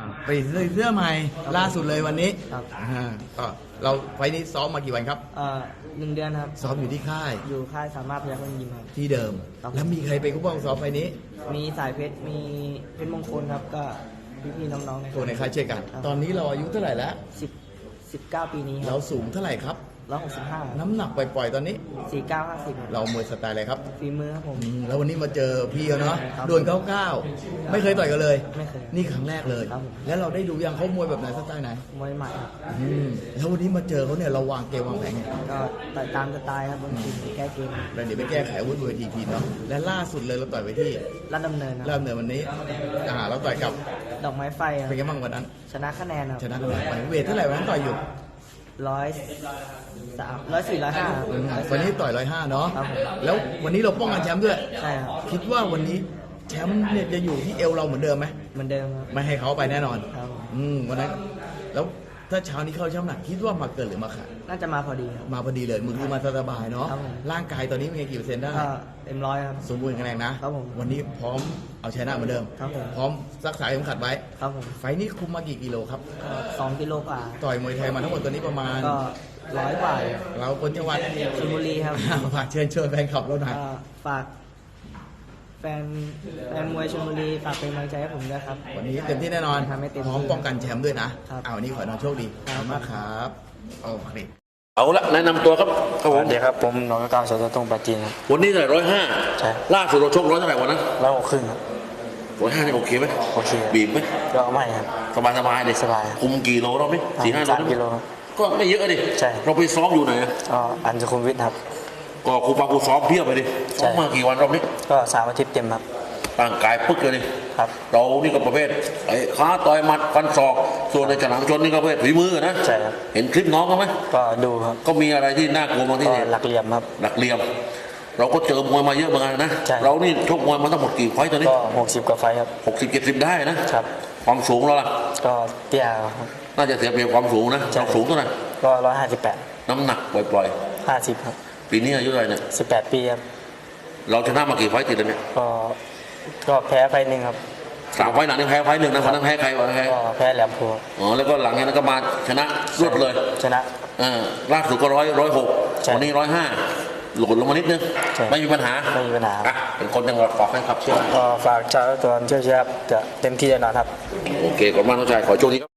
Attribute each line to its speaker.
Speaker 1: เปลี่ยนเสื้อใหม่ล่าสุดเลยวันนี้
Speaker 2: ครับ
Speaker 1: ก็เราไฟล์นี้ซ้อมมากี่วันครับ
Speaker 2: 1 เดือนครับ
Speaker 1: ซ้อมอยู่ที่ค่าย
Speaker 2: อยู่ค่ายสามารถพยัคฆ์ยิมครับ
Speaker 1: ที่เดิม
Speaker 2: ครับ
Speaker 1: แล้วมีใครเป็นผู้ป้องซ้อมไฟล์นี้
Speaker 2: มีสายเพชร มีเพชรมงคลครับ ก็พี่ๆน้องๆใน
Speaker 1: ตัวในค่ายเช่นกัน ตอนนี้เราอายุเท่าไหร่แล้ว
Speaker 2: 19 ปีนี้ค
Speaker 1: เรา
Speaker 2: รับ
Speaker 1: สูงเท่าไหร่ครับ
Speaker 2: 165
Speaker 1: น้ำหนักปล่อยๆตอนนี้
Speaker 2: 49 50
Speaker 1: เรามวยสไตล์อะไรครับ
Speaker 2: ฝีมือครับผม
Speaker 1: แล้ววันนี้มาเจอพี่เขาเนาะ
Speaker 2: ครับ
Speaker 1: โดน99ไม่เคยต่อยกันเลย
Speaker 2: ไม่เคย
Speaker 1: นี่ครั้งแรกเลย
Speaker 2: ครับผม
Speaker 1: แล้วเราได้ดูยังเขามวยแบบไหนสไตล์ไหน
Speaker 2: มวยใหม่ครับ
Speaker 1: แล้ววันนี้มาเจอเขาเนี่ยเราวางเกมวางแผนไง
Speaker 2: ก็ต่อยตามสไตล์ครับบางทีแก้เกม
Speaker 1: แล้วเดี๋ยวไปแก้ไขอาวุธบนเวทีทีเนาะและล่าสุดเลยเราต่อยไปที่
Speaker 2: รัดดำเนินครับ
Speaker 1: เริ่มเนินวันนี้เราต่อยกับ
Speaker 2: ดอกไม้ไฟครับ
Speaker 1: เป็นไงบ้างวันนั้น
Speaker 2: ชนะคะแนนครับ
Speaker 1: ชนะกันเลยไปเวทเท่าไหร่วันนั้นต่อยอยู่
Speaker 2: 103 104 105
Speaker 1: วันนี้ต่อย105เนาะ
Speaker 2: ครับผม
Speaker 1: แล้ววันนี้เราป้องกันแชมป์ด้วย
Speaker 2: ใช่ครับ
Speaker 1: คิดว่าวันนี้แชมป์เนี่ยจะอยู่ที่เอวเราเหมือนเดิมไหม
Speaker 2: เหมือนเดิมครับ
Speaker 1: ไม่ให้เขาไปแน่นอน
Speaker 2: ครับผม
Speaker 1: วันนั้นแล้วถ้าเช้านี้เข้าช่ำหนักคิดว่ามาเกินหรือมาขาด
Speaker 2: น่าจะมาพอดีครับ
Speaker 1: มาพอดีเลยมือคือมาสบายๆเนาะ
Speaker 2: ครับผม
Speaker 1: ร่างกายตอนนี้มีกี่เปอร์เซ็นต์ได้
Speaker 2: ก็เต็มร้อยครับ
Speaker 1: สมบูรณ์แข็งแรงนะครับ
Speaker 2: ผม
Speaker 1: วันนี้พร้อมเอาชนะเหมือนเดิม
Speaker 2: ครับผม
Speaker 1: พร้อมรักษาเข็มขัดไว้
Speaker 2: ครับผม
Speaker 1: ไฟล์นี้คุมมากี่กิโลครับ
Speaker 2: ก็2 กิโลกว่า
Speaker 1: ต่อยมวยไทยมาทั้งหมดตอนนี้ประมาณ
Speaker 2: ก็100 กว่า
Speaker 1: เราคนจังหวัด
Speaker 2: ชลบุรีครับ
Speaker 1: ฝากเชิญชวนแฟนคลับเราหน่อย
Speaker 2: ก็ฝากแฟนมวยชลบุรีฝากเป็นกำลังใจให้ผมด้วยครับ
Speaker 1: วันนี้เต็มที่แน่นอน
Speaker 2: ทำให้เต็มที่
Speaker 1: พร้อมป้องกันแชมป์ด้วยนะครับ วันนี้ขอให้น้องโชคดีขอบคุณมากครับโอเค
Speaker 3: เอาละแนะนำตัวครับครับ
Speaker 4: ส
Speaker 3: ผ
Speaker 4: วั
Speaker 3: ม
Speaker 4: สดีครับผมน้องก้าวสตตงปาจีนครับ
Speaker 3: วันนี้เท่าไหร่105
Speaker 4: ใช่
Speaker 3: ล่าสุดเราชก100เท่าไหร่วันนั้น
Speaker 4: 106 ครับ
Speaker 3: 105นี่โอเคไหม
Speaker 4: โอเค
Speaker 3: บีบไหม
Speaker 4: ก็ไม่ครับ
Speaker 3: สบายสบายๆดิ
Speaker 4: สบาย
Speaker 3: คุมกี่โลรอบนี้4-5 โล
Speaker 4: 3 กิโลครับ
Speaker 3: ก็ไม่เยอะดิ
Speaker 4: ใช่
Speaker 3: เราไปซ้อมอยู่ไหนอะ
Speaker 4: ก็อันสุขุมวิทครับ
Speaker 3: ก็ครูปาครูซ้อมเพียบไปดิ
Speaker 4: ใช่
Speaker 3: ซ้อมมากี่วันรอบนี้
Speaker 4: ก็3 อาทิตย์เต็มครับ
Speaker 3: ร่างกายปึ๊กเลยดิ
Speaker 4: ครับ
Speaker 3: เรานี่ก็ประเภทไอ้ขาต่อยหมัดฟันศอกส่วนในฉลามชนนี่ก็ประเภทฝีมือนะ
Speaker 4: ใช่ครับ
Speaker 3: เห็นคลิปน้องเขาไหม
Speaker 4: ก็ดูครับ
Speaker 3: ก็มีอะไรที่น่ากลัวบางที่
Speaker 4: ก็
Speaker 3: เนี่ย
Speaker 4: หลักเหลี่ยมครับ
Speaker 3: หลักเหลี่ยม เราก็เจอมวยมาเยอะเหมือนกันนะ
Speaker 4: ใช่
Speaker 3: เรานี่ชกมวยมาทั้งหมดกี่ไฟต์ตอนนี้
Speaker 4: ก็60 กว่าไฟล์ครับ
Speaker 3: 60-70 ได้นะครับ ความสูงเราล่ะ
Speaker 4: ก็เตี้ยครับ
Speaker 3: น่าจะเสียเปรียบความสูงนะ
Speaker 4: ใช่
Speaker 3: เราสูงเท่าไหร่
Speaker 4: ก็158
Speaker 3: น้ำหนักปล่อย
Speaker 4: 50 ครับ
Speaker 3: ๆปีนี้อายุเท่าไหร่เนี่ย
Speaker 4: 18 ปีครับ
Speaker 3: เราชนะมากี่ไฟต์ติดแล้วเนี่ย
Speaker 4: ก็แพ้ไฟล์หนึ่งครับ
Speaker 3: 3 ไฟต์หลังนี่แพ้ไฟต์หนึ่งนะวันนั้นแพ้ใครวะแพ้
Speaker 4: ก็แพ้แหลมโพธิ์
Speaker 3: อ๋อแล้วก็หลังจากนั้นก็มาชนะรวดเลย
Speaker 4: ชนะ
Speaker 3: ล่าสุดก็106
Speaker 4: ใช่
Speaker 3: วันนี้105หล่นลงมานิดนึง
Speaker 4: ใช่
Speaker 3: ไม่มีปัญหา
Speaker 4: ไม่มีปัญหา
Speaker 3: อ่ะเป็นคนจังหวัดฝากแฟนคลับเชียร์
Speaker 4: ก็ฝากชาวตัวช่วยๆครับจะเต็มที่แน่นอนครับ
Speaker 3: โอเคขอบคุณมากน้องชายขอโชคดีครับ